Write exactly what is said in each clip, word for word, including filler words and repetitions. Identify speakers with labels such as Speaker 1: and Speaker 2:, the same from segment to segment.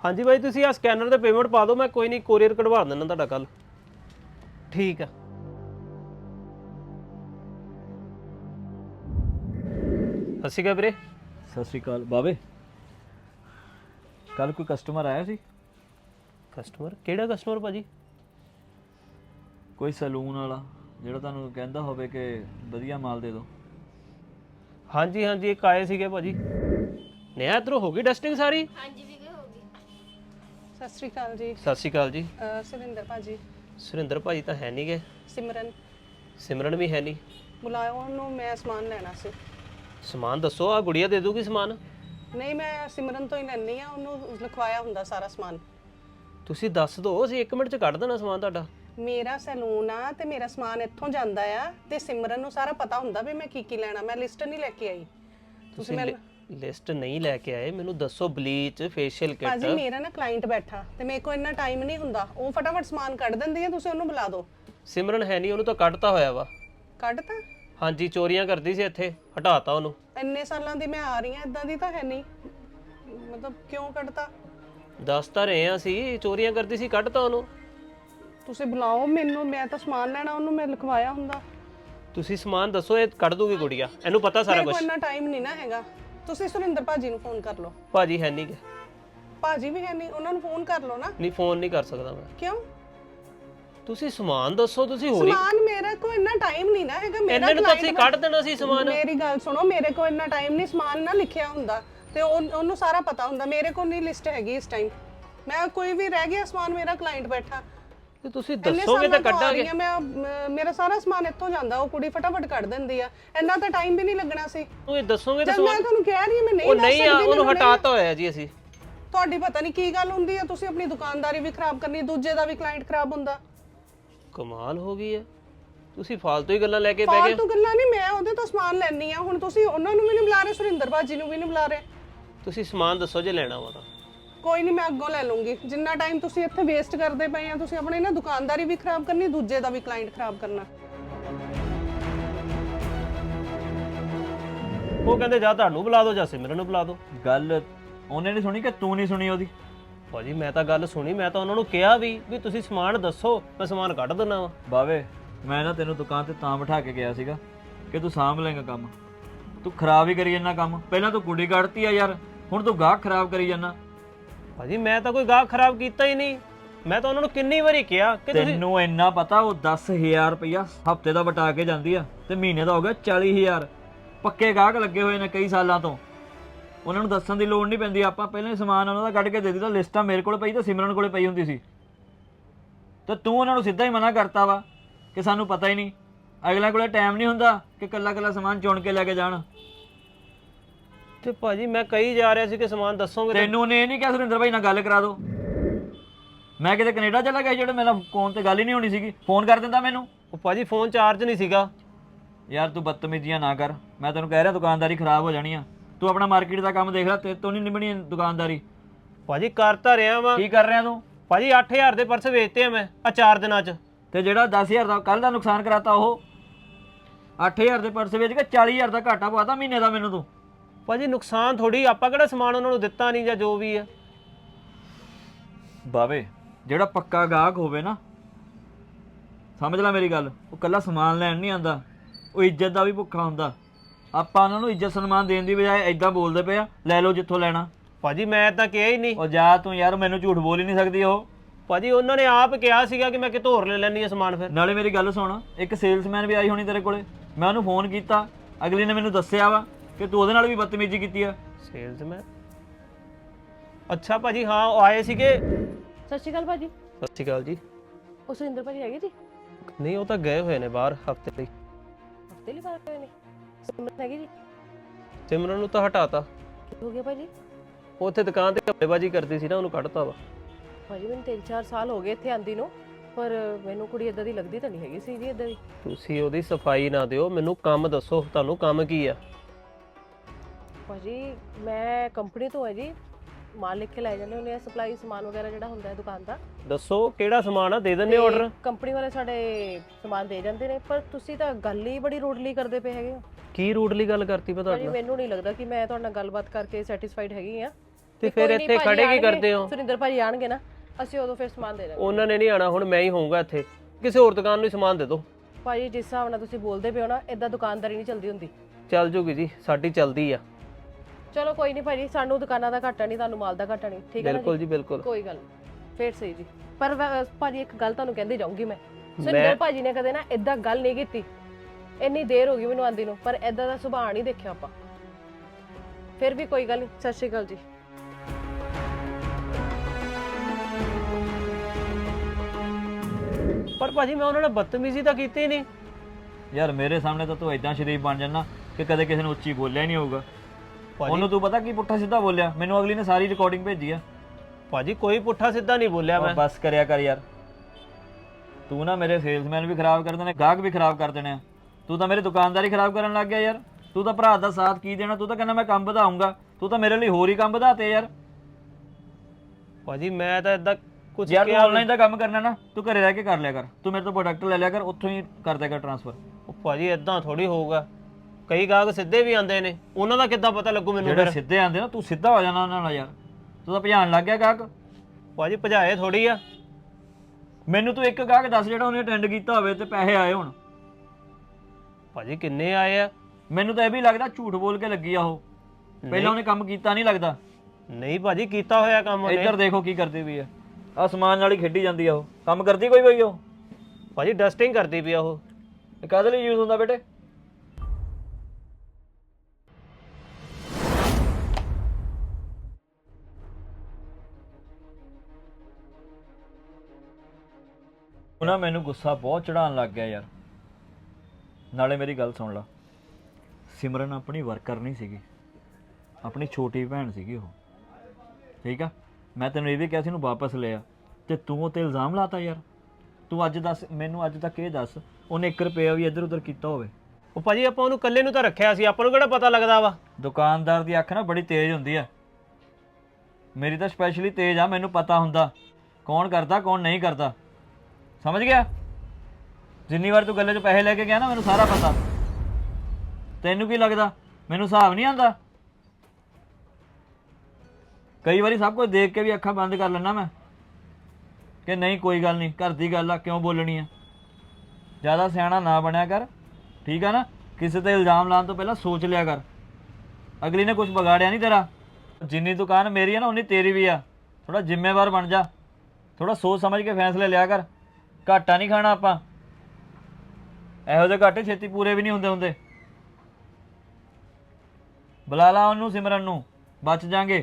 Speaker 1: हाँ जी भाई तुसी आ स्कैनर ते पेमेंट पा दो, मैं कोई नहीं कोरियर कढवा देना तुहाडा कल। ठीक है। सत श्री अकाल वीरे।
Speaker 2: सत श्री अकाल बाबे। कल कोई कस्टमर आया सी?
Speaker 1: कस्टमर केड़ा कस्टमर भाजी?
Speaker 2: कोई सैलून वाला ਜਿਹੜਾ ਤੁਹਾਨੂੰ ਕਹਿੰਦਾ ਹੋਵੇ ਕਿ ਵਧੀਆ ਮਾਲ ਦੇ ਦਿਓ।
Speaker 1: हाँ जी हाँ जी एक आए सीगे भाजी। नेहा इधरों हो गई डस्टिंग सारी?
Speaker 3: हाँ जी भी हो गई।
Speaker 4: सत श्री अकाल जी।
Speaker 1: सत श्री अकाल जी।
Speaker 4: ਅਹ ਸੁਰਿੰਦਰ ਭਾਜੀ।
Speaker 1: सुरिंदर भाजी तो है नहीं गए,
Speaker 4: ਸਿਮਰਨ
Speaker 1: सिमरन भी है नहीं।
Speaker 4: ਬੁਲਾਓ ਉਹਨੂੰ, ਮੈਂ ਸਮਾਨ ਲੈਣਾ ਸੀ।
Speaker 1: समान दसो, आ गुड़िया दे दूगी समान।
Speaker 4: ਨਹੀਂ ਮੈਂ ਸਿਮਰਨ ਤੋਂ ਹੀ ਲੈਣੀ ਆ, ਉਹਨੂੰ ਲਿਖਵਾਇਆ ਹੁੰਦਾ ਸਾਰਾ ਸਮਾਨ।
Speaker 1: ਤੁਸੀਂ ਦੱਸ ਦਿਓ, ਅਸੀਂ ਇੱਕ ਮਿੰਟ ਚ ਕੱਢ ਦੇਣਾ ਸਮਾਨ ਤੁਹਾਡਾ।
Speaker 4: ਮੇਰਾ ਸੈਲੂਨ ਆ ਤੇ ਮੇਰਾ ਸਮਾਨ ਇੱਥੋਂ ਜਾਂਦਾ ਆ ਤੇ ਸਿਮਰਨ ਨੂੰ ਸਾਰਾ ਪਤਾ ਹੁੰਦਾ ਵੀ ਮੈਂ ਕੀ ਕੀ ਲੈਣਾ। ਮੈਂ ਲਿਸਟ ਨਹੀਂ ਲੈ ਕੇ ਆਈ।
Speaker 1: ਤੁਸੀਂ ਲਿਸਟ ਨਹੀਂ ਲੈ ਕੇ ਆਏ, ਮੈਨੂੰ ਦੱਸੋ ਬਲੀਚ ਫੇਸ਼ੀਅਲ ਕਿਟ।
Speaker 4: ਭਾਜੀ ਮੇਰਾ ਨਾ ਕਲਾਇੰਟ ਬੈਠਾ ਤੇ ਮੇਰੇ ਕੋਲ ਇੰਨਾ ਟਾਈਮ ਨਹੀਂ ਹੁੰਦਾ, ਉਹ ਫਟਾਫਟ ਸਮਾਨ ਕੱਢ ਦਿੰਦੀ ਆ, ਤੁਸੀਂ ਉਹਨੂੰ ਬੁਲਾ ਦਿਓ।
Speaker 1: ਸਿਮਰਨ ਹੈ ਨਹੀਂ, ਉਹਨੂੰ ਤਾਂ ਕੱਢਤਾ ਹੋਇਆ ਵਾ।
Speaker 4: ਕੱਢ ਤਾ?
Speaker 1: ਹਾਂਜੀ ਚੋਰੀਆਂ ਕਰਦੀ ਸੀ ਇੱਥੇ, ਹਟਾਤਾ ਉਹਨੂੰ।
Speaker 4: ਇੰਨੇ ਸਾਲਾਂ ਦੀ ਮੈਂ ਆ ਰਹੀ ਆ, ਇਦਾਂ ਦੀ ਤਾਂ ਹੈ ਨਹੀਂ। ਮਤਲਬ ਕਿਉਂ ਕੱਢਤਾ?
Speaker 1: ਦੱਸ ਤਾਂ ਰਹੇ ਆ ਸੀ, ਚੋਰੀਆਂ ਕਰਦੀ ਸੀ, ਕੱਢਤਾ ਉਹਨੂੰ।
Speaker 4: ਤੁਸੀਂ ਬੁਲਾਓ ਮੈਨੂੰ, ਮੈਂ ਤਾਂ ਸਮਾਨ ਲੈਣਾ, ਉਹਨੂੰ ਮੈਂ ਲਿਖਵਾਇਆ ਹੁੰਦਾ।
Speaker 1: ਤੁਸੀਂ ਸਮਾਨ ਦੱਸੋ, ਇਹ ਕੱਢ ਦੂਗੀ ਗੁੜੀਆ, ਇਹਨੂੰ ਪਤਾ ਸਾਰਾ
Speaker 4: ਮੇਰੇ
Speaker 1: ਕੁਝ।
Speaker 4: ਕੋਲ ਇੰਨਾ ਟਾਈਮ ਨਹੀਂ ਨਾ ਹੈਗਾ। ਤੁਸੀਂ ਸੁਰਿੰਦਰ ਭਾਜੀ ਨੂੰ ਫੋਨ ਕਰ ਲਓ।
Speaker 1: ਭਾਜੀ ਹੈ ਨਹੀਂ ਗੇ।
Speaker 4: ਭਾਜੀ ਵੀ ਹੈ ਨਹੀਂ, ਉਹਨਾਂ ਨੂੰ ਫੋਨ ਕਰ ਲਓ ਨਾ।
Speaker 1: ਨਹੀਂ ਫੋਨ ਨਹੀਂ ਕਰ ਸਕਦਾ ਮੈਂ।
Speaker 4: ਕਿਉਂ?
Speaker 1: ਤੁਸੀਂ ਸਮਾਨ ਦੱਸੋ, ਤੁਸੀਂ ਹੋਰ ਹੀ
Speaker 4: ਸਮਾਨ ਮੇਰੇ ਕੋਲ ਇੰਨਾ ਟਾਈਮ ਨਹੀਂ ਨਾ ਹੈਗਾ। ਮੇਰਾ
Speaker 1: ਇਹਨਾਂ ਨੂੰ ਤਾਂ
Speaker 4: client
Speaker 1: ਤੁਸੀਂ ਕੱਢ ਦੇਣਾ ਸੀ ਸਮਾਨ।
Speaker 4: ਮੇਰੀ ਗੱਲ ਸੁਣੋ, ਮੇਰੇ ਕੋਲ ਇੰਨਾ ਟਾਈਮ ਨਹੀਂ, ਸਮਾਨ ਨਾ ਲਿਖਿਆ ਹੁੰਦਾ ਤੇ ਉਹ- ਉਹਨੂੰ ਸਾਰਾ ਪਤਾ ਹੁੰਦਾ। ਮੇਰੇ ਕੋਲ ਨਹੀਂ ਲਿਸਟ ਹੈਗੀ ਇਸ ਟਾਈਮ। ਮੈਂ ਕੋਈ ਵੀ ਰਹਿ ਗਿਆ ਸਮਾਨ, ਮੇਰਾ ਕਲਾਇੰਟ ਬੈਠਾ।
Speaker 1: ਤੇ ਤੁਸੀਂ
Speaker 4: ਇੰਨੇ
Speaker 1: ਦੱਸੋਗੇ ਤਾਂ
Speaker 4: ਸਾਲਾਂ ਤੋਂ ਆ
Speaker 1: ਕੱਢਾਂਗੇ।
Speaker 4: ਰਹੀ ਹਾਂ ਮੈਂ, ਮ- ਮੇਰਾ ਸਾਰਾ ਸਮਾਨ ਇੱਥੋਂ ਜਾਂਦਾ, ਉਹ ਕੁੜੀ ਫਟਾਫਟ ਕੱਢ ਦਿੰਦੀ ਆ। ਇੰਨਾ ਤਾਂ ਟਾਈਮ ਵੀ ਨਹੀਂ ਲੱਗਣਾ ਸੀ।
Speaker 1: ਉਹ ਦੱਸੋਗੇ ਤਾਂ
Speaker 4: ਜਦ ਮੈਂ
Speaker 1: ਸਮਾਨ।
Speaker 4: ਤੁਹਾਨੂੰ ਕਹਿ ਰਹੀ ਹਾਂ ਮੈਂ ਨਹੀਂ
Speaker 1: ਉਹ
Speaker 4: ਦੱਸ
Speaker 1: ਨਹੀਂ ਆ,
Speaker 4: ਸਕਦੀ,
Speaker 1: ਉਹਨੂੰ
Speaker 4: ਮੈਨੂੰ ਨਹੀਂ-
Speaker 1: ਹਟਾਤਾ ਹੋਇਆ ਜੀ ਅਸੀਂ।
Speaker 4: ਤੁਹਾਡੀ ਪਤਾ ਨਹੀਂ ਕੀ ਗੱਲ ਹੁੰਦੀ ਹੈ, ਤੁਸੀਂ ਆਪਣੀ ਦੁਕਾਨਦਾਰੀ ਵੀ ਖਰਾਬ ਕਰਨੀ, ਦੂਜੇ ਦਾ ਵੀ ਕਲਾਇੰਟ ਖਰਾਬ ਹੁੰਦਾ।
Speaker 1: ਕਮਾਲ ਹੋ ਗਈ ਹੈ, ਤੁਸੀਂ ਫालतू ਹੀ ਗੱਲਾਂ ਲੈ ਕੇ ਬਹਿ ਗਏ।
Speaker 4: ਫਾਲਤੂ ਗੱਲਾਂ ਨਹੀਂ, ਮੈਂ ਉਹਦੇ ਤੋਂ ਸਮਾਨ ਲੈਣੀ ਆ। ਹੁਣ ਤੁਸੀਂ ਉਹਨਾਂ ਨੂੰ ਵੀ ਨਹੀਂ ਬੁਲਾ ਰਹੇ, ਸੁਰਿੰਦਰ ਬਾਜੀ ਨੂੰ ਵੀ ਨਹੀਂ ਬੁਲਾ ਰਹੇ।
Speaker 1: ਤੁਸੀਂ ਸਮਾਨ ਦੱਸੋ ਜੇ ਲੈਣਾ ਵਾ ਤਾਂ।
Speaker 4: ਕੋਈ ਨਹੀਂ, ਮੈਂ ਅੱਗੋਂ ਲੈ ਲੂੰਗੀ। ਜਿੰਨਾ ਟਾਈਮ ਤੁਸੀਂ ਇੱਥੇ ਵੇਸਟ ਕਰਦੇ ਪਏ ਆ, ਤੁਸੀਂ ਆਪਣੀ ਨਾ ਦੁਕਾਨਦਾਰੀ ਵੀ ਖਰਾਬ ਕਰਨੀ, ਦੂਜੇ ਦਾ ਵੀ ਕਲਾਇੰਟ ਖਰਾਬ ਕਰਨਾ।
Speaker 1: ਉਹ ਕਹਿੰਦੇ ਜਾਂ ਤੁਹਾਨੂੰ ਬੁਲਾ ਦਿਓ ਜਾਂ ਸਿਮਰਨ ਨੂੰ ਬੁਲਾ ਦਿਓ।
Speaker 2: ਗੱਲ ਉਹਨੇ ਨਹੀਂ ਸੁਣੀ ਕਿ ਤੂੰ ਨਹੀਂ ਸੁਣੀ ਉਹਦੀ?
Speaker 1: ਭਾਜੀ ਮੈਂ ਤਾਂ ਗੱਲ ਸੁਣੀ, ਮੈਂ ਤਾਂ ਉਹਨਾਂ ਨੂੰ ਕਿਹਾ ਵੀ ਵੀ ਤੁਸੀਂ ਸਮਾਨ ਦੱਸੋ, ਮੈਂ ਸਮਾਨ ਕੱਢ ਦਿੰਦਾ ਵਾ।
Speaker 2: ਬਾਵੇ ਮੈਂ ਨਾ ਤੈਨੂੰ ਦੁਕਾਨ ਤੇ ਤਾਂ ਬਿਠਾ ਕੇ ਗਿਆ ਸੀਗਾ ਕਿ ਤੂੰ ਸਾਂਭ ਲੇਗਾ ਕੰਮ। ਤੂੰ ਖਰਾਬ ਹੀ ਕਰੀ ਜਾਂਦਾ ਕੰਮ। ਪਹਿਲਾਂ ਤੂੰ ਕੁੜੀ ਕੱਢਤੀ ਆ ਯਾਰ, ਹੁਣ ਤੂੰ ਗਾਹਕ ਖਰਾਬ ਕਰੀ ਜਾਂਦਾ।
Speaker 1: ਭਾਜੀ ਮੈਂ ਤਾਂ ਕੋਈ ਗਾਹਕ ਖਰਾਬ ਕੀਤਾ ਹੀ ਨਹੀਂ। ਮੈਂ ਤਾਂ ਉਹਨਾਂ ਨੂੰ ਕਿੰਨੀ ਵਾਰੀ ਕਿਹਾ ਕਿ ਤੁਸੀਂ
Speaker 2: ਤੈਨੂੰ ਇੰਨਾ ਪਤਾ ਉਹ ਦਸ ਹਜ਼ਾਰ ਰੁਪਇਆ ਹਫਤੇ ਦਾ ਵਟਾ ਕੇ ਜਾਂਦੀ ਆ ਤੇ ਮਹੀਨੇ ਦਾ ਹੋ ਗਿਆ ਚਾਲੀ ਹਜ਼ਾਰ। ਪੱਕੇ ਗਾਹਕ ਲੱਗੇ ਹੋਏ ਨੇ ਕਈ ਸਾਲਾਂ ਤੋਂ, ਉਹਨਾਂ ਨੂੰ ਦੱਸਣ ਦੀ ਲੋੜ ਨਹੀਂ ਪੈਂਦੀ। ਆਪਾਂ ਪਹਿਲਾਂ ਹੀ ਸਮਾਨ ਉਹਨਾਂ ਦਾ ਕੱਢ ਕੇ ਦੇ ਦਿੱਤਾ। ਲਿਸਟਾਂ ਮੇਰੇ ਕੋਲ ਪਈ ਤਾਂ ਸਿਮਰਨ ਕੋਲੇ ਪਈ ਹੁੰਦੀ ਸੀ, ਤੇ ਤੂੰ ਉਹਨਾਂ ਨੂੰ ਸਿੱਧਾ ਹੀ ਮਨਾ ਕਰਤਾ ਵਾ ਕਿ ਸਾਨੂੰ ਪਤਾ ਹੀ ਨਹੀਂ। ਅਗਲਾ ਕੋਲੇ ਟਾਈਮ ਨਹੀਂ ਹੁੰਦਾ ਕਿ ਕੱਲਾ ਕੱਲਾ ਸਮਾਨ ਚੁਣ ਕੇ ਲੈ ਕੇ ਜਾਣ।
Speaker 1: ਤੇ ਭਾਜੀ ਮੈਂ ਕਹੀ ਜਾ ਰਿਹਾ ਸੀ ਕਿ ਸਮਾਨ ਦੱਸੋਗੇ ਤਾਂ-
Speaker 2: ਤੈਨੂੰ ਉਹਨੇ ਇਹ ਨਹੀਂ ਕਿਹਾ ਸੁਰਿੰਦਰ ਭਾਈ ਨਾਲ ਗੱਲ ਕਰਾ ਦੋ? ਮੈਂ ਕਿਤੇ ਕੈਨੇਡਾ ਚਲਾ ਗਿਆ ਜਿਹੜਾ ਮੇਰਾ ਫੋਨ ਤੇ ਗੱਲ ਹੀ ਨਹੀਂ ਹੋਣੀ ਸੀਗੀ, ਫੋਨ ਕਰ ਦਿੰਦਾ ਮੈਨੂੰ।
Speaker 1: ਉਹ ਭਾਜੀ ਫੋਨ ਚਾਰਜ ਨਹੀਂ ਸੀਗਾ।
Speaker 2: ਯਾਰ ਤੂੰ ਬਦਤਮੀਜ਼ੀਆਂ ਨਾ ਕਰ, ਮੈਂ ਤੈਨੂੰ ਕਹਿ ਰਿਹਾ ਦੁਕਾਨਦਾਰੀ ਖਰਾਬ ਹੋ ਜਾਣੀ ਆ। ਤੂੰ ਆਪਣਾ ਮਾਰਕੀਟ ਦਾ ਕੰਮ ਦੇਖ ਲੈ, ਤੇਰੇ ਤੋਂ ਨਹੀਂ ਨਿਭਣੀ ਦੁਕਾਨਦਾਰੀ।
Speaker 1: ਭਾਜੀ ਕਰ ਤਾਂ ਰਿਹਾ ਵਾਂ।
Speaker 2: ਕੀ ਕਰ ਰਿਹਾ ਤੂੰ?
Speaker 1: ਭਾਜੀ ਅੱਠ ਹਜ਼ਾਰ ਦੇ ਪਰਸ ਵੇਚਤੇ ਆ ਮੈਂ ਆ ਚਾਰ ਦਿਨਾਂ 'ਚ।
Speaker 2: ਤੇ ਜਿਹੜਾ ਦਸ ਹਜ਼ਾਰ ਦਾ ਕੱਲ ਦਾ ਨੁਕਸਾਨ ਕਰਾਤਾ, ਉਹ ਅੱਠ ਹਜ਼ਾਰ ਦੇ ਪਰਸ ਵੇਚ ਕੇ ਚਾਲੀ ਹਜ਼ਾਰ ਦਾ ਘਾਟਾ ਪਵਾਤਾ ਮਹੀਨੇ ਦਾ ਮੈਨੂੰ ਤੂੰ।
Speaker 1: ਭਾਜੀ ਨੁਕਸਾਨ ਥੋੜੀ, ਆਪਾਂ ਕਿਹੜਾ ਸਮਾਨ ਉਹਨਾਂ ਨੂੰ ਦਿੱਤਾ ਨਹੀਂ ਜਾਂ ਜੋ ਵੀ ਆ।
Speaker 2: ਬਾਵੇ ਜਿਹੜਾ ਪੱਕਾ ਗਾਹਕ ਹੋਵੇ ਨਾ, ਸਮਝ ਲੈ ਮੇਰੀ ਗੱਲ, ਉਹ ਕੱਲਾ ਸਮਾਨ ਲੈਣ ਨਹੀਂ ਆਂਦਾ, ਉਹ ਇੱਜ਼ਤ ਦਾ ਵੀ ਭੁੱਖਾ ਹੁੰਦਾ। ਆਪਾਂ ਉਹਨਾਂ ਨੂੰ ਇੱਜ਼ਤ ਸਨਮਾਨ ਦੇਣ ਦੀ ਬਜਾਏ ਐਦਾਂ ਬੋਲਦੇ ਪਏ ਆ, ਲੈ ਲਓ ਜਿੱਥੋਂ ਲੈਣਾ।
Speaker 1: ਭਾਜੀ ਮੈਂ ਤਾਂ ਕਿਹਾ ਹੀ ਨਹੀਂ।
Speaker 2: ਉਹ ਜਾ ਤੂੰ ਯਾਰ, ਮੈਨੂੰ ਝੂਠ ਬੋਲ ਹੀ ਨਹੀਂ ਸਕਦੀ ਉਹ।
Speaker 1: ਭਾਜੀ ਉਹਨਾਂ ਨੇ ਆਪ ਕਿਹਾ ਸੀਗਾ ਕਿ ਮੈਂ ਕਿਤੋਂ ਹੋਰ ਲੈ ਲੈਣੀ ਆ ਸਮਾਨ। ਫਿਰ
Speaker 2: ਨਾਲੇ ਮੇਰੀ ਗੱਲ ਸੁਣ, ਇੱਕ ਸੇਲਸਮੈਨ ਵੀ ਆਈ ਹੋਣੀ ਤੇਰੇ ਕੋਲੇ, ਮੈਂ ਉਹਨੂੰ ਫੋਨ ਕੀਤਾ, ਅਗਲੀ ਨੇ ਮੈਨੂੰ ਦੱਸਿਆ ਵਾ ਕਿ ਤੂੰ ਉਹਦੇ ਨਾਲ ਵੀ ਬਦਤਮੀਜ਼ੀ ਕੀਤੀ ਆ।
Speaker 1: ਸੇਲਸਮੈਨ? ਅੱਛਾ ਭਾਜੀ ਹਾਂ ਉਹ ਆਏ ਸੀਗੇ।
Speaker 5: ਸਤਿ ਸ਼੍ਰੀ ਅਕਾਲ ਭਾਜੀ।
Speaker 1: ਸਤਿ ਸ਼੍ਰੀ ਅਕਾਲ ਜੀ।
Speaker 5: ਉਹ ਸੁਰਿੰਦਰ ਭਾਜੀ ਹੈਗੇ ਜੀ?
Speaker 1: ਨਹੀਂ ਉਹ ਤਾਂ ਗਏ ਹੋਏ ਨੇ ਬਾਹਰ ਹਫਤੇ ਲਈ।
Speaker 5: ਹਫਤੇ ਲਈ ਬਾਹਰ ਗਏ ਨੇ? ਸਿਮਰਨ ਹੈਗੀ ਜੀ?
Speaker 1: ਸਿਮਰਨ ਨੂੰ ਤਾਂ ਹਟਾਤਾ।
Speaker 5: ਕੀ ਹੋ ਗਿਆ ਭਾਜੀ?
Speaker 1: ਉਹ ਉੱਥੇ ਦੁਕਾਨ ਤੇ ਘੱਟੇਬਾਜੀ ਕਰਦੀ ਸੀ ਨਾ, ਉਹਨੂੰ ਕੱਢਤਾ ਵਾ।
Speaker 5: ਭਾਜੀ ਮੈਨੂੰ ਤਿੰਨ ਚਾਰ ਸਾਲ ਹੋ ਗਏ ਇੱਥੇ ਆਂਦੀ ਨੂੰ, ਪਰ ਮੈਨੂੰ ਕੁੜੀ ਇਦਾਂ ਦੀ ਲੱਗਦੀ ਤਾਂ ਨਹੀਂ ਹੈਗੀ ਸੀ ਜੀ ਇਦਾਂ ਦੀ।
Speaker 1: ਤੁਸੀਂ ਉਹਦੀ ਸਫਾਈ ਨਾ ਦਿਓ, ਮੈਨੂੰ ਕੰਮ ਦੱਸੋ ਤੁਹਾਨੂੰ ਕੰਮ ਕੀ ਆ?
Speaker 5: ਭਾਜੀ ਮੈਂ ਕੰਪਨੀ ਤੋਂ ਹੈ ਜੀ, ਮਾਲ ਲਿਖ ਕੇ ਲੈ ਜਾਂਦੇ ਹੁੰਦੇ ਆ, ਸਪਲਾਈ ਸਮਾਨ ਵਗੈਰਾ ਜਿਹੜਾ ਹੁੰਦਾ ਹੈ ਦੁਕਾਨ ਦਾ।
Speaker 1: ਦੱਸੋ ਕਿਹੜਾ ਸਮਾਨ ਆ, ਦੇ ਦਿੰਦੇ ਆਰਡਰ।
Speaker 5: ਕੰਪਨੀ ਵਾਲੇ ਸਾਡੇ ਸਮਾਨ ਦੇ ਜਾਂਦੇ ਨੇ, ਪਰ ਤੁਸੀਂ ਤਾਂ ਗੱਲ ਹੀ ਬੜੀ ਰੂਡਲੀ ਕਰਦੇ ਪਏ ਹੈਗੇ ਹੋ।
Speaker 1: ਕੀ ਰੂਡਲੀ ਗੱਲ ਕਰਤੀ ਮੈਂ ਤੁਹਾਡੇ
Speaker 5: ਭਾਜੀ
Speaker 1: ਨਾਲ?
Speaker 5: ਮੈਨੂੰ ਨਹੀਂ ਲੱਗਦਾ ਕਿ ਮੈਂ ਤੁਹਾਡੇ ਨਾਲ ਗੱਲਬਾਤ ਕਰਕੇ ਸੈਟੀਸਫਾਈਡ ਹੈਗੀ ਆ।
Speaker 1: ਤੇ ਫਿਰ
Speaker 5: ਕੋਈ ਨੀ,
Speaker 1: ਇੱਥੇ
Speaker 5: ਭਾਜੀ
Speaker 1: ਖੜੇ ਕੀ
Speaker 5: ਆਣਗੇ,
Speaker 1: ਕਰਦੇ ਹੋ?
Speaker 5: ਸੁਰਿੰਦਰ ਭਾਜੀ ਆਣਗੇ ਨਾ, ਅਸੀਂ ਉਦੋਂ ਫਿਰ ਸਮਾਨ ਦੇ ਦਾਂਗੇ।
Speaker 1: ਉਹਨਾਂ ਨੇ ਨਹੀਂ ਆਣਾ, ਹੁਣ ਮੈਂ ਹੀ ਹੋਊਂਗਾ ਇੱਥੇ। ਕਿਸੇ ਹੋਰ ਦੁਕਾਨ ਨੂੰ ਹੀ ਸਮਾਨ ਦੇ ਦਿਓ।
Speaker 5: ਭਾਜੀ ਜਿਸ ਹਿਸਾਬ ਨਾਲ ਤੁਸੀਂ ਬੋਲਦੇ ਪਿਓ ਨਾ, ਇਦਾਂ ਦੁਕਾਨਦਾਰੀ ਨਹੀਂ ਚੱਲਦੀ ਹੁੰਦੀ।
Speaker 1: ਚੱਲ ਜੂਗੀ ਜੀ, ਸਾਡੀ ਚੱਲਦੀ ਆ।
Speaker 5: ਚਲੋ ਕੋਈ ਨਹੀਂ ਭਾਜੀ, ਸਾਨੂੰ ਦੁਕਾਨਾਂ ਦਾ ਘਾਟਾ ਨਹੀਂ, ਤੁਹਾਨੂੰ ਮਾਲ ਦਾ ਘਾਟਾ ਨਹੀਂ, ਠੀਕ ਹੈ ਨਾ
Speaker 1: ਬਿਲਕੁਲ ਜੀ ਬਿਲਕੁਲ।
Speaker 5: ਕੋਈ ਗੱਲ ਨੀ। ਫੇਰ ਸਹੀ ਜੀ। ਪਰ ਵ- ਭਾਜੀ ਇੱਕ ਗੱਲ ਤੁਹਾਨੂੰ ਕਹਿੰਦੀ ਜਾਊਂਗੀ ਮੈਂ, ਸੁਰਿੰਦਰ ਭਾਜੀ ਨੇ ਕਦੇ ਨਾ ਇਦਾਂ ਗੱਲ ਨਹੀਂ ਕੀਤੀ। ਇੰਨੀ ਦੇਰ ਹੋ ਗਈ ਮੈਨੂੰ ਆਂਦੀ ਨੂੰ, ਪਰ ਇਦਾਂ ਦਾ ਸੁਭਾਅ ਨਹੀਂ ਦੇਖਿਆ ਆਪਾਂ। ਫਿਰ ਵੀ ਕੋਈ ਗੱਲ ਨਹੀਂ। ਸਤਿ ਸ਼੍ਰੀ ਅਕਾਲ ਜੀ।
Speaker 1: ਪਰ ਭਾਜੀ ਮੈਂ ਉਹਨਾਂ ਨਾਲ ਬਦਤਮੀਜ਼ੀ ਤਾਂ ਕੀਤੀ ਹੀ ਨਹੀਂ।
Speaker 2: ਯਾਰ ਮੇਰੇ ਸਾਹਮਣੇ ਤਾਂ ਤੂੰ ਇਦਾਂ ਸ਼ਰੀਫ ਬਣ ਜਾਣਾ ਕਿ ਕਦੇ ਕਿਸੇ ਨੂੰ ਉੱਚੀ ਬੋਲਿਆ ਹੀ ਨਹੀਂ ਹੋਊਗਾ। ਉਹਨੂੰ ਤੂੰ ਪਤਾ ਕੀ ਪੁੱਠਾ ਸਿੱਧਾ ਬੋਲਿਆ, ਮੈਨੂੰ ਅਗਲੀ ਨੇ ਸਾਰੀ ਰਿਕਾਰਡਿੰਗ ਭੇਜੀ ਆ।
Speaker 1: ਭਾਜੀ ਕੋਈ ਪੁੱਠਾ ਸਿੱਧਾ ਨਹੀਂ ਬੋਲਿਆ
Speaker 2: ਉਹ
Speaker 1: ਮੈਂ।
Speaker 2: ਬਸ ਕਰਿਆ ਕਰ ਯਾਰ, ਤੂੰ ਨਾ ਮੇਰੇ ਸੇਲਸਮੈਨ ਵੀ ਖਰਾਬ ਕਰ ਦੇਣੇ, ਗਾਹਕ ਵੀ ਖਰਾਬ ਕਰ ਦੇਣੇ ਆ। ਤੂੰ ਤਾਂ ਮੇਰੀ ਦੁਕਾਨਦਾਰੀ ਖਰਾਬ ਕਰਨ ਲੱਗ ਗਿਆ ਯਾਰ। ਤੂੰ ਤਾਂ ਭਰਾ ਦਾ ਸਾਥ ਕੀ ਦੇਣਾ, ਤੂੰ ਤਾਂ ਕਹਿੰਦਾ ਮੈਂ ਕੰਮ ਵਧਾਉਂਗਾ, ਤੂੰ ਤਾਂ ਮੇਰੇ ਲਈ ਹੋਰ ਹੀ ਕੰਮ ਵਧਾਤੇ ਯਾਰ।
Speaker 1: ਭਾਜੀ ਮੈਂ ਤਾਂ ਇਦਾਂ ਕੁਝ
Speaker 2: ਯਾਰ ਤੂੰ ਆਨਲਾਈਨ ਦਾ ਕੰਮ ਕਰਨਾ ਨਾ, ਤੂੰ ਘਰੇ ਰਹਿ ਕੇ ਕਰ ਲਿਆ ਕਰ। ਤੂੰ ਮੇਰੇ ਤੋਂ ਪ੍ਰੋਡਕਟ ਲੈ ਲਿਆ ਕਰ, ਉੱਥੋਂ ਹੀ ਕਰ ਦਿਆ ਕਰ ਟ੍ਰਾਂਸਫਰ।
Speaker 1: ਭਾਜੀ ਇਦਾਂ ਥੋੜੀ ਹੋਊਗਾ, ਕਈ ਗਾਹਕ ਸਿੱਧੇ ਵੀ ਆਉਂਦੇ ਨੇ, ਉਹਨਾਂ ਦਾ ਕਿੱਦਾਂ ਪਤਾ ਲੱਗੂ ਮੈਨੂੰ?
Speaker 2: ਜਿਹੜੇ ਸਿੱਧੇ ਆਂਦੇ ਨਾ, ਤੂੰ ਸਿੱਧਾ ਹੋ ਜਾਣਾ ਉਹਨਾਂ ਨਾਲ ਯਾਰ। ਤੂੰ ਤਾਂ ਭਜਾਣ ਲੱਗ ਗਿਆ ਗਾਹਕ।
Speaker 1: ਭਾਜੀ ਭਜਾਏ ਥੋੜੀ ਆ।
Speaker 2: ਮੈਨੂੰ ਤੂੰ ਇੱਕ ਗਾਹਕ ਦੱਸ ਜਿਹੜਾ ਉਹਨੇ ਅਟੈਂਡ ਕੀਤਾ ਹੋਵੇ ਤੇ ਪੈਸੇ ਆਏ ਹੋਣ।
Speaker 1: ਭਾਜੀ ਕਿੰਨੇ ਆਏ ਆ?
Speaker 2: ਮੈਨੂੰ ਤਾਂ ਇਹ ਵੀ ਲੱਗਦਾ ਝੂਠ ਬੋਲ ਕੇ ਲੱਗੀ ਆ ਉਹ, ਪਹਿਲਾਂ ਉਹਨੇ ਕੰਮ ਕੀਤਾ ਨਹੀਂ ਲੱਗਦਾ।
Speaker 1: ਨਹੀਂ ਭਾਜੀ ਕੀਤਾ ਹੋਇਆ ਕੰਮ ਉਹਨੇ।
Speaker 2: ਇੱਧਰ ਦੇਖੋ ਕੀ ਕਰਦੀ ਪਈ ਆ, ਆ ਸਮਾਨ ਨਾਲ ਹੀ ਖੇਡੀ ਜਾਂਦੀ ਆ ਉਹ। ਕੰਮ ਕਰਦੀ ਕੋਈ ਕੋਈ ਉਹ?
Speaker 1: ਭਾਜੀ ਡਸਟਿੰਗ ਕਰਦੀ ਪਈ ਆ ਉਹ।
Speaker 2: ਇਹ ਕਾਹਦੇ ਲਈ ਯੂਜ਼ ਹੁੰਦਾ ਬੇਟੇ? ਉਹਨਾਂ ਮੈਨੂੰ ਗੁੱਸਾ ਬਹੁਤ ਚੜਾਉਣ ਲੱਗ ਗਿਆ ਯਾਰ। ਨਾਲੇ ਮੇਰੀ ਗੱਲ ਸੁਣ ਲਾ, ਸਿਮਰਨ ਆਪਣੀ ਵਰਕਰ ਨਹੀਂ ਸੀਗੀ, ਆਪਣੀ ਛੋਟੀ ਭੈਣ ਸੀਗੀ ਉਹ, ਠੀਕ ਆ। ਮੈਂ ਤੈਨੂੰ ਇਹ ਵੀ ਕਿਹਾ ਸੀ ਉਹਨੂੰ ਵਾਪਸ ਲਿਆ, ਤੇ ਤੂੰ ਉਹ 'ਤੇ ਇਲਜ਼ਾਮ ਲਾਤਾ ਯਾਰ। ਤੂੰ ਅੱਜ ਦੱਸ ਮੈਨੂੰ, ਅੱਜ ਤੱਕ ਇਹ ਦੱਸ ਉਹਨੇ ਇੱਕ ਰੁਪਇਆ ਵੀ ਇੱਧਰ ਉੱਧਰ ਕੀਤਾ ਹੋਵੇ?
Speaker 1: ਉਹ ਭਾਜੀ ਆਪਾਂ ਉਹਨੂੰ ਇਕੱਲੇ ਨੂੰ ਤਾਂ ਰੱਖਿਆ ਸੀ, ਆਪਾਂ ਨੂੰ ਕਿਹੜਾ ਪਤਾ ਲੱਗਦਾ ਵਾ?
Speaker 2: ਦੁਕਾਨਦਾਰ ਦੀ ਅੱਖ ਨਾ ਬੜੀ ਤੇਜ਼ ਹੁੰਦੀ ਆ, ਮੇਰੀ ਤਾਂ ਸਪੈਸ਼ਲੀ ਤੇਜ਼ ਆ। ਮੈਨੂੰ ਪਤਾ ਹੁੰਦਾ ਕੌਣ ਕਰਦਾ ਕੌਣ ਨਹੀਂ ਕਰਦਾ, ਸਮਝ ਗਿਆ? ਜਿੰਨੀ ਵਾਰ ਤੂੰ ਗੱਲੇ 'ਚ ਪੈਸੇ ਲੈ ਕੇ ਗਿਆ ਨਾ, ਮੈਨੂੰ ਸਾਰਾ ਪਤਾ। ਤੈਨੂੰ ਕੀ ਲੱਗਦਾ ਮੈਨੂੰ ਹਿਸਾਬ ਨਹੀਂ ਆਉਂਦਾ? ਕਈ ਵਾਰੀ ਸਭ ਕੁਝ ਦੇਖ ਕੇ ਵੀ ਅੱਖਾਂ ਬੰਦ ਕਰ ਲੈਣਾ ਮੈਂ ਕਿ ਨਹੀਂ ਕੋਈ ਗੱਲ ਨਹੀਂ, ਘਰ ਦੀ ਗੱਲ ਆ, ਕਿਉਂ ਬੋਲਣੀ ਆ। ਜ਼ਿਆਦਾ ਸਿਆਣਾ ਨਾ ਬਣਿਆ ਕਰ, ਠੀਕ ਆ ਨਾ? ਕਿਸੇ ਤੇ ਇਲਜ਼ਾਮ ਲਾਉਣ ਤੋਂ ਪਹਿਲਾਂ ਸੋਚ ਲਿਆ ਕਰ, ਅਗਲੀ ਨੇ ਕੁਝ ਵਿਗਾੜਿਆ ਨਹੀਂ ਤੇਰਾ। ਜਿੰਨੀ ਦੁਕਾਨ ਮੇਰੀ ਆ ਨਾ, ਉਨੀ ਤੇਰੀ ਵੀ ਆ। ਥੋੜਾ ਜ਼ਿੰਮੇਵਾਰ ਬਣ ਜਾ, ਥੋੜਾ ਸੋਚ ਸਮਝ ਕੇ ਫੈਸਲੇ ਲਿਆ ਕਰ। ਘਾਟਾ ਨਹੀਂ ਖਾਣਾ ਆਪਾਂ, ਇਹੋ ਜਿਹੇ ਘਾਟੇ ਛੇਤੀ ਪੂਰੇ ਵੀ ਨਹੀਂ ਹੁੰਦੇ ਹੁੰਦੇ। ਬੁਲਾ ਲਾ ਉਹਨੂੰ, ਸਿਮਰਨ ਨੂੰ, ਬਚ ਜਾਾਂਗੇ।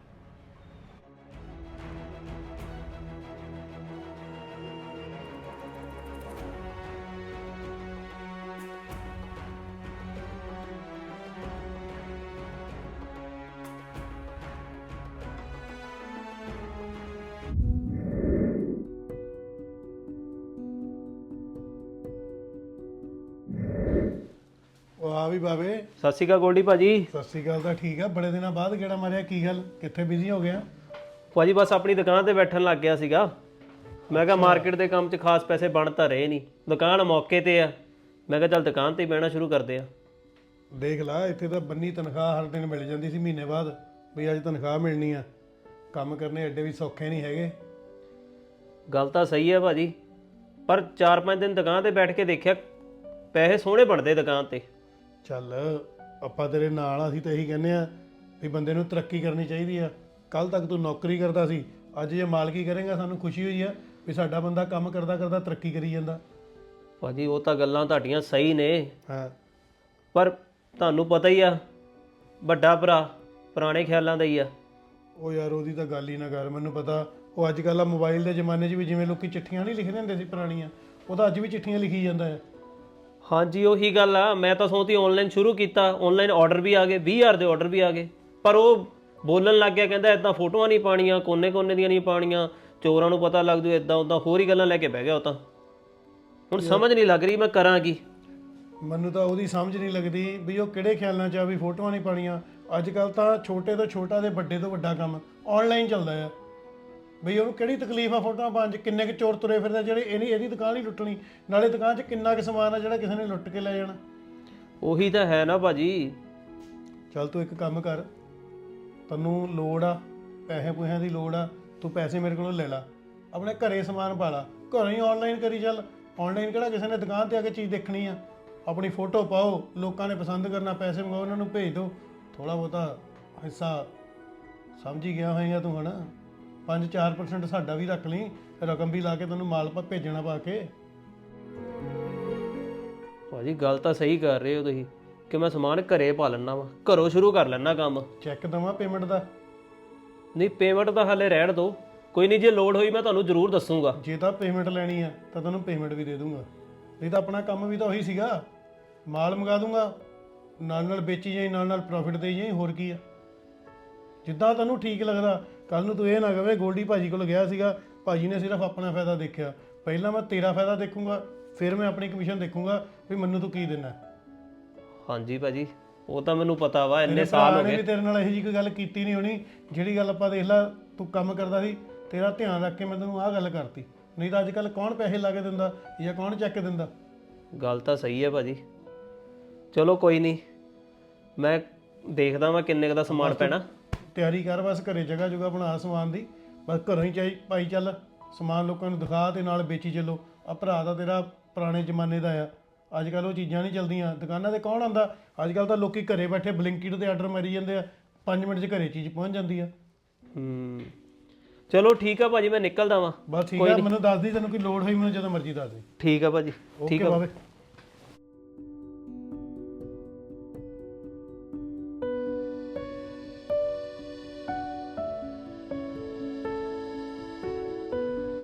Speaker 3: ਉਹ ਆ ਵੀ ਬਾਵੇ।
Speaker 1: ਸਤਿ ਸ਼੍ਰੀ ਅਕਾਲ ਗੋਲਡੀ ਭਾਜੀ।
Speaker 3: ਸਤਿ ਸ਼੍ਰੀ ਅਕਾਲ। ਤਾਂ ਠੀਕ ਆ, ਬੜੇ ਦਿਨਾਂ ਬਾਅਦ ਕਿਹੜਾ ਮਾਰਿਆ, ਕੀ ਗੱਲ ਕਿੱਥੇ ਬਿਜ਼ੀ ਹੋ ਗਿਆ?
Speaker 1: ਭਾਜੀ ਬਸ ਆਪਣੀ ਦੁਕਾਨ ਤੇ ਬੈਠਣ ਲੱਗ ਗਿਆ ਸੀਗਾ। ਮੈਂ ਕਿਹਾ ਮਾਰਕੀਟ ਦੇ ਕੰਮ 'ਚ ਖਾਸ ਪੈਸੇ ਬਣ ਤਾਂ ਰਹੇ ਨਹੀਂ, ਦੁਕਾਨ ਮੌਕੇ ਤੇ ਆ, ਮੈਂ ਕਿਹਾ ਚੱਲ ਦੁਕਾਨ ਤੇ ਹੀ ਬਹਿਣਾ ਸ਼ੁਰੂ ਕਰਦੇ ਆ।
Speaker 3: ਦੇਖ ਲਾ, ਇੱਥੇ ਤਾਂ ਬੰਨੀ ਤਨਖਾਹ ਹਰ ਦਿਨ ਮਿਲ ਜਾਂਦੀ ਸੀ ਮਹੀਨੇ ਬਾਅਦ, ਵੀ ਅੱਜ ਤਨਖਾਹ ਮਿਲਣੀ ਆ। ਕੰਮ ਕਰਨੇ ਐਡੇ ਵੀ ਸੌਖੇ ਨਹੀਂ ਹੈਗੇ।
Speaker 1: ਗੱਲ ਤਾਂ ਸਹੀ ਹੈ ਭਾਜੀ, ਪਰ ਚਾਰ ਪੰਜ ਦਿਨ ਦੁਕਾਨ ਤੇ ਬੈਠ ਕੇ ਦੇਖਿਆ, ਪੈਸੇ ਸੋਹਣੇ ਬਣਦੇ ਦੁਕਾਨ ਤੇ।
Speaker 3: ਚੱਲ ਆਪਾਂ ਤੇਰੇ ਨਾਲ ਆ, ਅਸੀਂ ਤਾਂ ਇਹੀ ਕਹਿੰਦੇ ਆ ਵੀ ਬੰਦੇ ਨੂੰ ਤਰੱਕੀ ਕਰਨੀ ਚਾਹੀਦੀ ਆ। ਕੱਲ ਤੱਕ ਤੂੰ ਨੌਕਰੀ ਕਰਦਾ ਸੀ, ਅੱਜ ਜੇ ਮਾਲਕੀ ਕਰੇਗਾ ਸਾਨੂੰ ਖੁਸ਼ੀ ਹੋਈ ਆ ਵੀ ਸਾਡਾ ਬੰਦਾ ਕੰਮ ਕਰਦਾ ਕਰਦਾ ਤਰੱਕੀ ਕਰੀ ਜਾਂਦਾ।
Speaker 1: ਭਾਜੀ ਉਹ ਤਾਂ ਗੱਲਾਂ ਤੁਹਾਡੀਆਂ ਸਹੀ ਨੇ,
Speaker 3: ਹਾਂ,
Speaker 1: ਪਰ ਤੁਹਾਨੂੰ ਪਤਾ ਹੀ ਆ ਵੱਡਾ ਭਰਾ ਪੁਰਾਣੇ ਖਿਆਲਾਂ ਦਾ ਹੀ ਆ।
Speaker 3: ਉਹ ਯਾਰ ਉਹਦੀ ਤਾਂ ਗੱਲ ਹੀ ਨਾ ਕਰ। ਮੈਨੂੰ ਪਤਾ ਉਹ ਅੱਜ ਕੱਲ੍ਹ ਆ ਮੋਬਾਈਲ ਦੇ ਜ਼ਮਾਨੇ 'ਚ ਵੀ ਜਿਵੇਂ ਲੋਕੀ ਚਿੱਠੀਆਂ ਨਹੀਂ ਲਿਖਦੇ ਹੁੰਦੇ ਸੀ ਪੁਰਾਣੀਆਂ, ਉਹ ਤਾਂ ਅੱਜ ਵੀ ਚਿੱਠੀਆਂ ਲਿਖੀ ਜਾਂਦਾ ਹੈ।
Speaker 1: ਹਾਂਜੀ ਉਹੀ ਗੱਲ ਆ, ਮੈਂ ਤਾਂ ਸੋਚਦੀ ਆਨਲਾਈਨ ਸ਼ੁਰੂ ਕੀਤਾ, ਆਨਲਾਈਨ ਆਰਡਰ ਵੀ ਆ ਗਏ, ਵੀਹ ਹਜ਼ਾਰ ਦੇ ਆਰਡਰ ਵੀ ਆ ਗਏ, ਪਰ ਉਹ ਬੋਲਣ ਲੱਗ ਗਿਆ, ਕਹਿੰਦਾ ਇਦਾਂ ਫੋਟੋਆਂ ਨਹੀਂ ਪਾਣੀਆਂ, ਕੋਨੇ ਕੋਨੇ ਦੀਆਂ ਨਹੀਂ ਪਾਣੀਆਂ, ਚੋਰਾਂ ਨੂੰ ਪਤਾ ਲੱਗ ਜੂ, ਇਦਾਂ ਉਦਾਂ ਹੋਰ ਹੀ ਗੱਲਾਂ ਲੈ ਕੇ ਬਹਿ ਗਿਆ ਉਹ ਤਾਂ। ਹੁਣ ਸਮਝ ਨਹੀਂ ਲੱਗ ਰਹੀ ਮੈਂ ਕਰਾਂ ਕੀ।
Speaker 3: ਮੈਨੂੰ ਤਾਂ ਉਹਦੀ ਸਮਝ ਨਹੀਂ ਲੱਗਦੀ ਵੀ ਉਹ ਕਿਹੜੇ ਖਿਆਲਾਂ 'ਚ ਆ ਵੀ ਫੋਟੋਆਂ ਨਹੀਂ ਪਾਣੀਆਂ। ਅੱਜ ਕੱਲ੍ਹ ਤਾਂ ਛੋਟੇ ਤੋਂ ਛੋਟਾ ਤੇ ਵੱਡੇ ਤੋਂ ਵੱਡਾ ਕੰਮ ਆਨਲਾਈਨ ਚੱਲਦਾ ਆ। ਬਈ ਉਹਨੂੰ ਕਿਹੜੀ ਤਕਲੀਫ ਆ ਫੋਟੋਆਂ ਪਾਉਣ 'ਚ? ਕਿੰਨੇ ਕੁ ਚੋਰ ਤੁਰੇ ਫਿਰਦੇ ਜਿਹੜੇ ਇਹਨੀ ਇਹਦੀ ਦੁਕਾਨ ਹੀ ਲੁੱਟਣੀ, ਨਾਲੇ ਦੁਕਾਨ 'ਚ ਕਿੰਨਾ ਕੁ ਸਮਾਨ ਆ ਜਿਹੜਾ ਕਿਸੇ ਨੇ ਲੁੱਟ ਕੇ ਲੈ ਜਾਣਾ।
Speaker 1: ਉਹੀ ਤਾਂ ਹੈ ਨਾ ਭਾਜੀ।
Speaker 3: ਚੱਲ ਤੂੰ ਇੱਕ ਕੰਮ ਕਰ, ਤੈਨੂੰ ਲੋੜ ਆ ਪੈਸੇ ਪੂਸਿਆਂ ਦੀ ਲੋੜ ਆ ਤੂੰ ਪੈਸੇ ਮੇਰੇ ਕੋਲੋਂ ਲੈ ਲਾ, ਆਪਣੇ ਘਰੇ ਸਮਾਨ ਪਾ ਲਾ, ਘਰੋਂ ਹੀ ਆਨਲਾਈਨ ਕਰੀ ਚੱਲ। ਆਨਲਾਈਨ ਕਿਹੜਾ ਕਿਸੇ ਨੇ ਦੁਕਾਨ ਤੇ ਆ ਕੇ ਚੀਜ਼ ਦੇਖਣੀ ਆ। ਆਪਣੀ ਫੋਟੋ ਪਾਓ, ਲੋਕਾਂ ਨੇ ਪਸੰਦ ਕਰਨਾ, ਪੈਸੇ ਮੰਗਾਓ, ਉਹਨਾਂ ਨੂੰ ਭੇਜ ਦਿਓ। ਥੋੜਾ ਬਹੁਤਾ ਹਿੱਸਾ ਸਮਝ ਹੀ ਗਿਆ ਹੋਏਗਾ ਤੂੰ ਹਨਾ। ਪੰਜ ਚਾਰ ਪਰਸੈਂਟ ਸਾਡਾ ਵੀ ਰੱਖ ਲਈ, ਰਕਮ ਵੀ ਲਾ ਕੇ ਤੈਨੂੰ ਮਾਲ ਪਾ ਭੇਜਣਾ ਪਾ ਕੇ।
Speaker 1: ਭਾਜੀ ਗੱਲ ਤਾਂ ਸਹੀ ਕਰ ਰਹੇ ਹੋ ਤੁਸੀਂ ਕਿ ਮੈਂ ਸਮਾਨ ਘਰੇ ਪਾ ਲੈਣਾ ਵਾ, ਘਰੋਂ ਸ਼ੁਰੂ ਕਰ ਲੈਣਾ ਕੰਮ।
Speaker 3: ਚੈੱਕ ਦਵਾਂ ਪੇਮੈਂਟ ਦਾ?
Speaker 1: ਨਹੀਂ ਪੇਮੈਂਟ ਤਾਂ ਹਾਲੇ ਰਹਿਣ ਦਿਓ, ਕੋਈ ਨਹੀਂ, ਜੇ ਲੋੜ ਹੋਈ ਮੈਂ ਤੁਹਾਨੂੰ ਜ਼ਰੂਰ ਦੱਸੂਗਾ।
Speaker 3: ਜੇ ਤਾਂ ਪੇਮੈਂਟ ਲੈਣੀ ਆ ਤਾਂ ਤੈਨੂੰ ਪੇਮੈਂਟ ਵੀ ਦੇ ਦੂੰਗਾ, ਨਹੀਂ ਤਾਂ ਆਪਣਾ ਕੰਮ ਵੀ ਤਾਂ ਉਹੀ ਸੀਗਾ, ਮਾਲ ਮੰਗਾ ਦੂੰਗਾ, ਨਾਲ ਨਾਲ ਵੇਚੀ ਜਾਈ, ਨਾਲ ਨਾਲ ਪ੍ਰੋਫਿਟ ਦੇਈ ਜਾਈ, ਹੋਰ ਕੀ ਆ। ਜਿੱਦਾਂ ਤੈਨੂੰ ਠੀਕ ਲੱਗਦਾ। ਕੱਲ ਨੂੰ ਤੂੰ ਇਹ ਨਾ ਕਵੇਂ ਗੋਲਡੀ ਭਾਜੀ ਕੋਲ ਗਿਆ ਸੀਗਾ, ਭਾਜੀ ਨੇ ਸਿਰਫ ਆਪਣਾ ਫਾਇਦਾ ਦੇਖਿਆ। ਪਹਿਲਾਂ ਮੈਂ ਤੇਰਾ ਫਾਇਦਾ ਦੇਖੂੰਗਾ, ਫਿਰ ਮੈਂ ਆਪਣੀ ਕਮਿਸ਼ਨ ਦੇਖੂੰਗਾ ਵੀ ਮੈਨੂੰ ਤੂੰ ਕੀ ਦੇਣਾ।
Speaker 1: ਹਾਂਜੀ ਭਾਜੀ ਉਹ ਤਾਂ ਮੈਨੂੰ ਪਤਾ ਵਾ, ਇੰਨੇ
Speaker 3: ਤੇਰੇ
Speaker 1: ਸਾਲ
Speaker 3: ਭਰਾ
Speaker 1: ਹੋ
Speaker 3: ਨੇ
Speaker 1: ਗਏ।
Speaker 3: ਵੀ ਤੇਰੇ ਨਾਲ ਇਹੋ ਜਿਹੀ ਕੋਈ ਗੱਲ ਕੀਤੀ ਨਹੀਂ ਹੋਣੀ ਜਿਹੜੀ ਗੱਲ ਆਪਾਂ ਦੇਖ ਲਾ ਤੂੰ ਕੰਮ ਕਰਦਾ ਸੀ, ਤੇਰਾ ਧਿਆਨ ਰੱਖ ਕੇ ਮੈਂ ਤੈਨੂੰ ਆਹ ਗੱਲ ਕਰਤੀ। ਨਹੀਂ ਤਾਂ ਅੱਜ ਕੱਲ ਕੌਣ ਪੈਸੇ ਲਾ ਕੇ ਦਿੰਦਾ ਜਾਂ ਕੌਣ ਚੱਕ ਦਿੰਦਾ।
Speaker 1: ਗੱਲ ਤਾਂ ਸਹੀ ਹੈ ਭਾਜੀ, ਚਲੋ ਕੋਈ ਨਹੀਂ, ਮੈਂ ਦੇਖਦਾ ਮੈਂ ਕਿੰਨੇ ਕੁ ਦਾ ਸਮਾਨ ਪੈਣਾ।
Speaker 3: ਤਿਆਰੀ ਕਰ ਬਸ, ਘਰੇ ਜਗ੍ਹਾ ਜੁਗਾ ਬਣਾ ਸਮਾਨ ਦੀ, ਬਸ ਘਰੋਂ ਹੀ ਚਾਈ ਪਾਈ ਚੱਲ ਸਮਾਨ, ਲੋਕਾਂ ਨੂੰ ਦਿਖਾ ਤੇ ਨਾਲ ਵੇਚੀ ਚੱਲੋ। ਆ ਭਰਾ ਦਾ ਤੇਰਾ ਪੁਰਾਣੇ ਜ਼ਮਾਨੇ ਦਾ ਆ, ਅੱਜ ਕੱਲ ਉਹ ਚੀਜ਼ਾਂ ਨਹੀਂ ਚੱਲਦੀਆਂ। ਦੁਕਾਨਾਂ ਤੇ ਕੌਣ ਆਉਂਦਾ ਅੱਜ ਕੱਲ, ਤਾਂ ਲੋਕੀ ਘਰੇ ਬੈਠੇ ਬਲਿੰਕਿਟ ਤੇ ਆਰਡਰ ਮਾਰੀ ਜਾਂਦੇ ਆ, ਪੰਜ ਮਿੰਟ 'ਚ ਘਰੇ ਚੀਜ਼ ਪਹੁੰਚ ਜਾਂਦੀ ਆ।
Speaker 1: ਹੂੰ ਚਲੋ ਠੀਕ ਆ ਭਾਜੀ, ਮੈਂ ਨਿਕਲਦਾ ਵਾਂ।
Speaker 3: ਬਸ ਠੀਕ ਆ, ਮੈਨੂੰ ਦੱਸ ਦੀ ਤੈਨੂੰ ਕੋਈ ਲੋੜ ਹੋਈ ਮੈਨੂੰ ਜਦੋਂ ਮਰਜ਼ੀ ਦੱਸ ਦੇ।
Speaker 1: ਠੀਕ ਆ ਭਾਜੀ, ਠੀਕ
Speaker 3: ਓਕੇ
Speaker 1: ਆ।
Speaker 3: ਬਾਬੇ।